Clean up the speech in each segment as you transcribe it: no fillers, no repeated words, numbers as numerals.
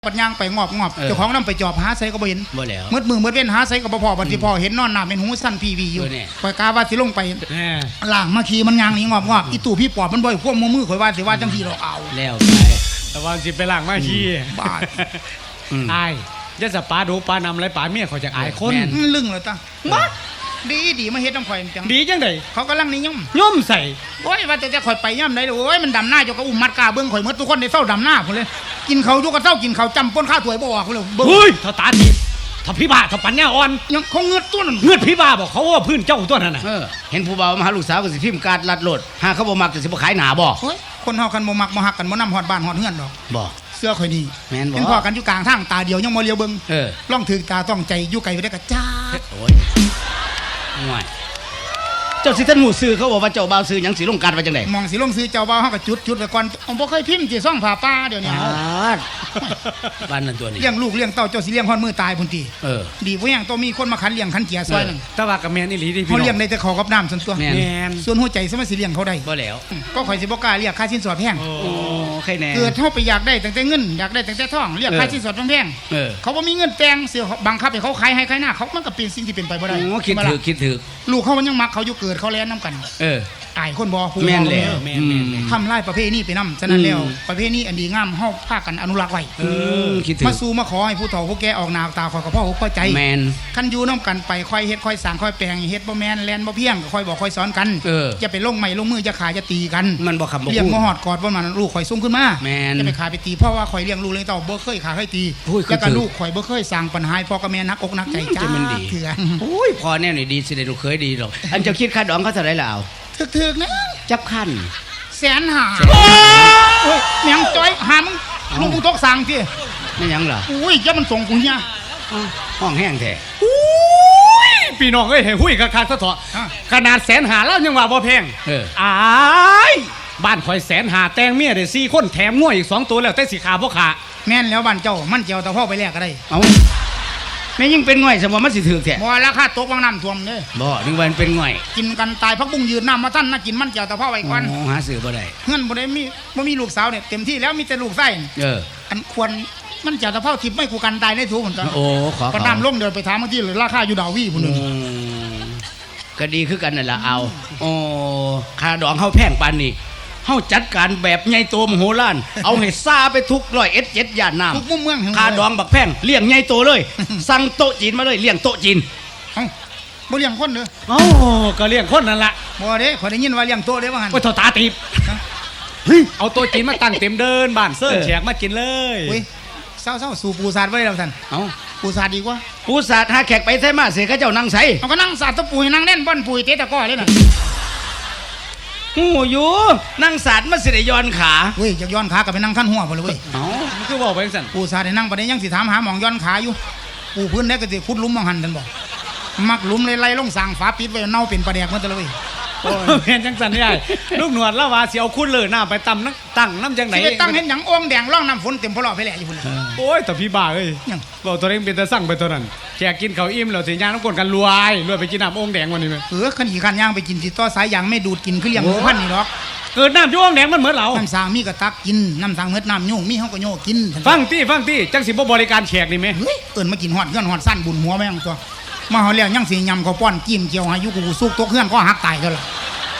ปัญญางไปงอบเจ้าของนำไปจอบหาไสก็บ่เห็นบ่แล้วมืดมือมืดเว้นหาไสก็บ่พอบัดที่พอเห็นนอนหน้าเป็นหูสั้นพีวีอยู่ข่อยกาว่าสิลงไปล่างมาขี่มันยางนี่งอบอีตู่พี่ปอบมันบ่ควบมือข่อยว่าสิว่าจังซี่ดอกเอาแล้วไปแต่ว่าสิไปล่างมาขี่บาดอายอย่าสปาดูปานำไรปาเมียเขาจะอายคนลึงเลยตามาดีมาเฮ็ดน้ำข่อยจังดีจังได๋เขากำลังนิยมใส่โอ้ยว่าแต่ข่อยไปย่ำได้โอ้ยมันดำหน้าเจ้าก็อุ้มมัดกาเบิ่งข่อยหมดทุกคนได้เฝ้าดำหน้าพุ่นเลยกินเขาอยู่ก็เฝ้ากินเขาจำป้นข้าวถวยบ่ออกพุ่นเลยเฮ้ยเท่าตาดีถ้าพี่บ้าถ้าปัญญาอ่อนยังเขาเงือดตัวนั้นเงือดพี่บ้าบอกเขาว่าพื้นเจ้าตัวนั้นน่ะเห็นผู้บ่าวมาหาลูกสาวก็สิพิมพ์การลัดโลดหาเขาบ่มักจะสิบ่ขายหน้าบ่โอ้ยคนเฮากันบ่มักบ่ฮักกันบ่นำฮอดบ้านฮอดเฮือนดอกบ่เสื้อข่อยดีแม่นบ่เห็นพ่อกันอยู่กลางทางตาเดียวยังบ่เลียวเบิ่งล่องถึงตาต้องใจอยู่ไกลไปได้ก็จ้าโอ้ยง่อยเจ้าสิท่านหมู่ซื้อเขาบอกว่าเจ้าบ่าวซื้อหยังสิลงการว่าจังได๋มองสิลงซื้อเจ้าบ่าวเฮาก็จุดไว้ก่อนบ่เคยพิมพ์สิซ่องผ้าป่าเดี๋ยวนี้บ้านนั้นตัวนี้เลี้ยงลูกเลี้ยงเต้าเจ้าสิเลี้ยงฮอดมือตายพุ่นติดีบ่ยังต้องมีคนมาขันเลี้ยงขันเกียซอยนึงแต่ว่าก็แม่นอีหลีดิพี่เฮาเลี้ยงได้แต่ข้าวกับน้ำส่วนตัวแม่นส่วนหัวใจสมัยสิเลี้ยงเขาได้บ่แล้วก็ข่อยสิบ่กล้าเรียกค่าสินสอดแพงโอ้ใครแน่เกิดเฮาไปอยากได้ตั้งแต่เงินอยากได้ตั้งแต่ทองเรียกค่าสินสอดแพงเขาบ่มีเงินแต่งเสียบังคับให้เขาขายให้ขายหน้าเขามันก็เป็นสิ่งที่เป็นไปบ่ได้โอ้คิดถึกลูกเขามันยังมักเขาอยู่เกิดเขาแล่นนำกันตายคนบ่แม่นแล้วทำลายประเพณีไปนำฉะนั้นแล้วประเพณีอันดีงามเฮาพากันอนุรักษ์ไว้มาสู่มาขอให้ผู้เฒ่าผู้แก่ออกหน้าตาคอยกับพ่ออกใจแม่นคันอยู่นำกันไปค่อยเฮ็ดค่อยสร้างค่อยแปลงเฮ็ดบ่แม่นแล่นบ่เพียงค่อยบอกค่อยสอนกันจะไปลงไม้ลงมือจะขาจะตีกันมันบ่คำบ่เลี้ยงบ่ฮอดกอดบ่มันลูกข่อยซุ่มขึ้นมาจะไปขาไปตีเพราะว่าข่อยเลี้ยงลูกเลี้ยงเต้าบ่เคยขาเคยตีแล้วก็ลูกข่อยบ่เคยสร้างปัญหาพ่อกับแม่นักอกนักใจจ้าเถื่อนโอ้ยพ่อแน่นี่ดีสิได้ลูกเคยดีดอกอันเจ้าคิดค่าดองเขาเท่าไหร่ล่ะเอาถึกๆนะจับคัน 150,000โอ้ยแม่งจ้อยหามึงลุงกูตกสั่งสิไม่ยังเหรออุ้ยจะมันส่งกูเฮียห้องแห้งแท้พี่น้องเอ้ยให้หุ้ยคักๆซะเถาะขนาด150,000แล้วยังว่าบ่แพงอ้ายบ้านข่อย150,000แต่งเมียได้4คนแถมงัวอีก2ตัวแล้วแต่สิขาบ่ขาแม่นแล้วบ้านเจ้ามันเจียวตะพ่อไปแลกก็ได้เอ้าแม่ยิ่งเป็นง่อยสมว่ามันสิถึกแท้บ่ราคาตกวางน้ำท่วมเด้บ่นึกว่ามันเป็นง่อยกินกันตายพักบุ้งยืนน้ำมาท่านน่ากินมันเจียวตะพ่อไว้ก่อนหาซื้อบ่ได้เงินบ่ได้มีบ่มีลูกสาวเนี่ยเต็มที่แล้วมีแต่ลูกไส้อันควรมันเจียวตะพ่อทิพย์ไม่กูกันตายได้ถูกเหมือนกันโอ้ขอน้ำลงเดินไปถามเมื่อกี้เลยราคาอยู่ดาววี่พุ่นนึงก็ดีคือกันนั่นล่ะเอาโอ้ค่าดองเฮาแพงปานนี้เฮาจัดการแบบใหญ่โตมโหฬารเอาให้ซาไปทุก100 ย่านน้ำทุกมุมเมืองค่าดองบักแพงเลี้ยงใหญ่โตเลยสั่งโต๊ะจีนมาเลยเลี้ยงโต๊ะจีนบ่เลี้ยงคนเด้อเอ้าก็เลี้ยงคนนั่นล่ะบ่เด้ข่อยได้ยินว่าเลี้ยงโต๊ะเด้ว่างั้นโอ้ยตาตีบเอาโต๊ะจีนมาตั้งเต็มเดินบ้านเสิร์ฟแขกมากินเลยอุ้ยเศร้าสู่ปูซาดไว้แล้วท่านเอ้าปูซาดดีกว่าปูซาดหาแขกไปไสมาเสียเขาเจ้านั่งไสเอาก็นั่งซาดตะปูให้นั่งเล่นบ่อนปุยเตะตะก้อเลยน่ะหูอยู่นั่งศาสตร์มาสิได้ย้อนขาเว้ยจากย้อนขากับไปนั่งขั้นหัวพอเลยเว้ยมันคือบอกไปสั่นปูซาได้นั่งประเดี๋ยวยังสิถามหาหมองย้อนขาอยู่ปูพื้นได้ก็สิขุดหลุมมองหันท่านบอกมักหลุมไล่ลงสั่งฝาปิดไว้เน่าเป็นประเดี๋ยวมันตะเลยโอ้เห็นจังสันนี่ไอ้ลูกหนวดละว่าเสียวคุ้นเลยหน้าไปตั้งน้ำจังไหนไปตั้งเห็นหยังอ่องแดงร่องน้ำฝนเต็มพลอไปแหละอยู่พุ่นโอ้ยแต่พี่บ้าเอ้ยบอกตัวเองเป็นตะสั่งไปตัวนั้นแขกกินเขาอิ่มแล้วสิย่างน้ำกลกันรวยไปกินน้ำอ่องแดงวันนี้ไหมขันขี่ขันย่างไปกินสิต้อสายยางไม่ดูดกินคือเลี้ยงหมูพันนี่หรอกเกิดน้ำย่องแดงมันเหมือนเราน้ำสางมีกระตักกินน้ำสางเม็ดน้ำโยงมีเขาก็โยกกินฟังตี้จังสิบบริการแขกนี่ไหมมากินหอดเงื่อนหอดสั้นบุญหัวแม่งตัวมาเขาเลี้ยงยังสียำเขาป้อนจิ้มเจียวอายุกูสุกตัวเงื่อนก็หักตายกันละ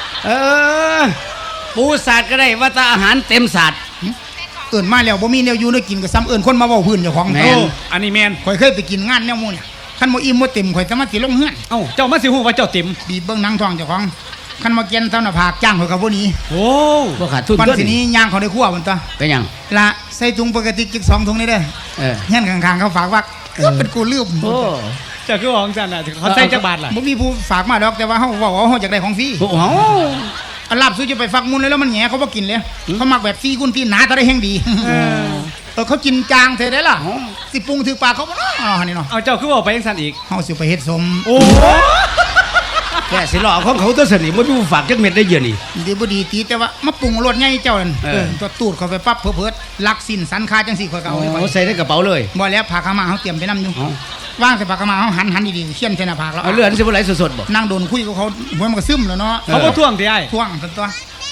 ปูศาสตร์ก็ได้ว่าแต่อาหารเต็มศาสตร์มาแล้วบ่มีแนวอยู่ได้กินกับซ้ำคนมาเว้าพื้นเจ้าของแม่อันนี้แมนข่อยเคยไปกินงานแนวมูเนี่ยคันบ่อิ่มบ่เต็มข่อยจะมาสิลงเฮือนเจ้ามาสิฮู้ว่าเจ้าเต็มบีบเบิ่งหนังท้องเจ้าของคันมาเกียนเท่าหน้าผากจ้างข่อยก็บ่หนีโอ้บ่ขาดทุนปันสินี้ย่างเขาได้คั่วมันตัวเป็นหยังละใส่ถุงปกติจิก2ถุงนี่เด้อเฮือนข้างๆเขาฝากว่าเป็นกูลืมโอ้เจ้าคือของจันน่ะเขาใส่จักบาทล่ะบ่มีผู้ฝากมาดอกแต่ว่าเฮาเว้าเฮาอยากได้ของฟรีโอ้อันลาบซื้อจะไปฟักมุนเลยแล้วมันแหงเขาบ่กินเลยเขามักแบบฟรีกุนฟรีหนาตะได้แห้งดีเขากินจางเท่ได้ล่ะสิปรุงถือปากเขาบ่เนาะนี่เนาะเอาเจ้าคือว่าไปจังซั่นอีกเฮาสิไปเฮ็ดสมโอ้แค่สิหลอกของเขาตัวสนิทบ่มีฝากจักเม็ดได้เยอะนี่ดีบ่ดีตีแต่ว่ามาปรุงรสใหญ่เจ้านั่นตัวตูดเข้าไปปั๊บเพิ่ดลักสินสันคาจังซี่ข่อยก็เอาไว้ใส่ในกระเป๋าเลยบ่แล้วผ้าขาวม้าเฮาเตรียมไปนำอยู่ว่างใส่ปากกามาเขาหันดีๆเขี้ยนใส่หน้าผากแล้วเลือดสิบ่ไหลสดๆบ่นั่งโดนคุยกับเขาหัวมันก็ซึมแล้วเนาะเขาบ่ท่วงที่ไอ้ท่วงตัว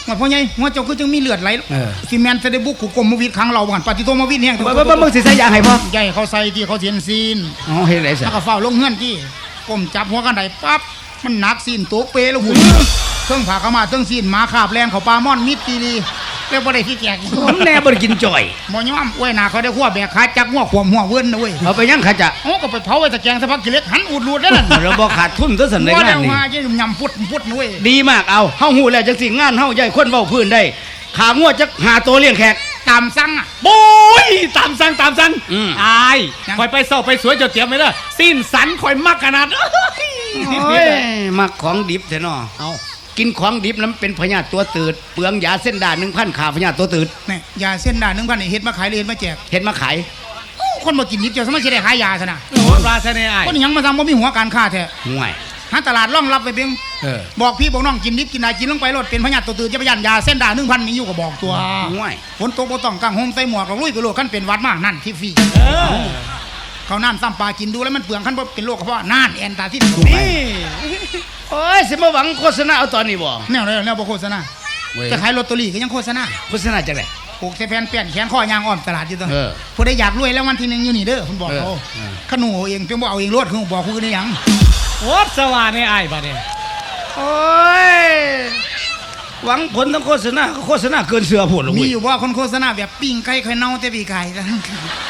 ว่าพ่อใหญ่หัวเจ้าคือจังมีเลือดไหลเออซีเมนต์จะได้บุกขู่กลมมาวิดครั้งเราหันปฏิโทมาวิดแห้งบ่มึงสิใส่ยาให้พ่อใหญ่เขาใส่ที่เขาเสียนซีนอ๋อเฮ็ดได้ซะแล้วก็เฝ้าลงเงื่อนที่ก้มจับหัวกันไดปั๊บมันหนักซีนตัวเปแล้วหุ่นเครื่องผ่าเข้ามาเครื่องซีนหมาขาบแลนเขาปลาม่อนมิดตีดีแล้วบ่ได้ขี้แจกมันแน่บ่ได้กินจ่อยบ่ยอมอ้วยหน้าเขาได้ขั้วแบกขาจักหัวขวมหัวเวิ้นนะเว้ยเอาไปยังขาจะโอ้ก็ไปเผาไว้ตะแกรงสักพักกิเล็กหันอูดรูดได้นั่นเราบ่ขาดทุนซะสันในว่างานเดี๋ยวนี้มาจะยำพุดนะเว้ยดีมากเอาเฮาฮู้แล้วจังสิงานเฮาใหญ่คนเว้าพื้นได้ขางัวจักหาตัวเลี้ยงแขกตามสั่งอ่ะโอ้ยตามสั่งอืมอายยังคอยไปเศร้าไปสวยเจ้าเตรียมไว้เด้อสิ้นสันคอยมักขนาดโอ้ยมักของดิบแท้เนาะเอากินของดิบนั้นเป็นพยาธิตัวตืดเปลืองยาเส้นด่า 1,000 ขาพยาธิตัวตืดนี่ยาเส้นด่า1,000นี่เฮ็ดมาขายเลยเฮ็ดมาแจกเฮ็ดมาขายโอ้คนบ่กินนิดเดียวสมัยสิได้ขายยาซะนะโอ้ราชเนไอายคนหยังมาทำบ่มีหัวการค้าแท้ห่วยหาตลาดร่องรับไปเพียงเออบอกพี่บอกน้องกินนิดกินได้กินลงไปรถเป็นพญาติตัวตื่นจะไปยันยาเส้นด่า1,000มีอยู่ก็บอกตัวห่วยฝนตกบ่ต้องกางห่มใส่หมวกเราลุยไปโลดคันเป็นหวัดมากนั่นที่ฟรีเออเขาวน้ำซ้ำปลากินดูแล้วมันเปลืองคันบ่เป็นโรคกระเพาะน่านแอนตาซินนี่โอ้ยสิมาหวังโฆษณาเอาตอนนี้บ่แนวแนวบ่โฆษณาเว้ยจะขายลอตเตอรี่ก็ยังโฆษณาโฆษณาจังได๋ปลูกใส่แผ่นเปลี่ยนแขนข้อยางอ้อมตลาดอยู่ตัวเออผู้ใดอยากรวยแล้ววันที่1อยู่นี่เด้อคุณบอกเขาเออขนูเอาเองเพียงบ่เอาเองรถคือบอกคือได้หยังโอ้สว่าเนไอายบัดนี้โอ้ยหวังผลทั้งโฆษณาก็โฆษณาเกินเสือพุ่นละมีเว้ยอยู่ว่าคนโฆษณาแบบปิ้งไก่ไข่เน่าแต่ปีไก่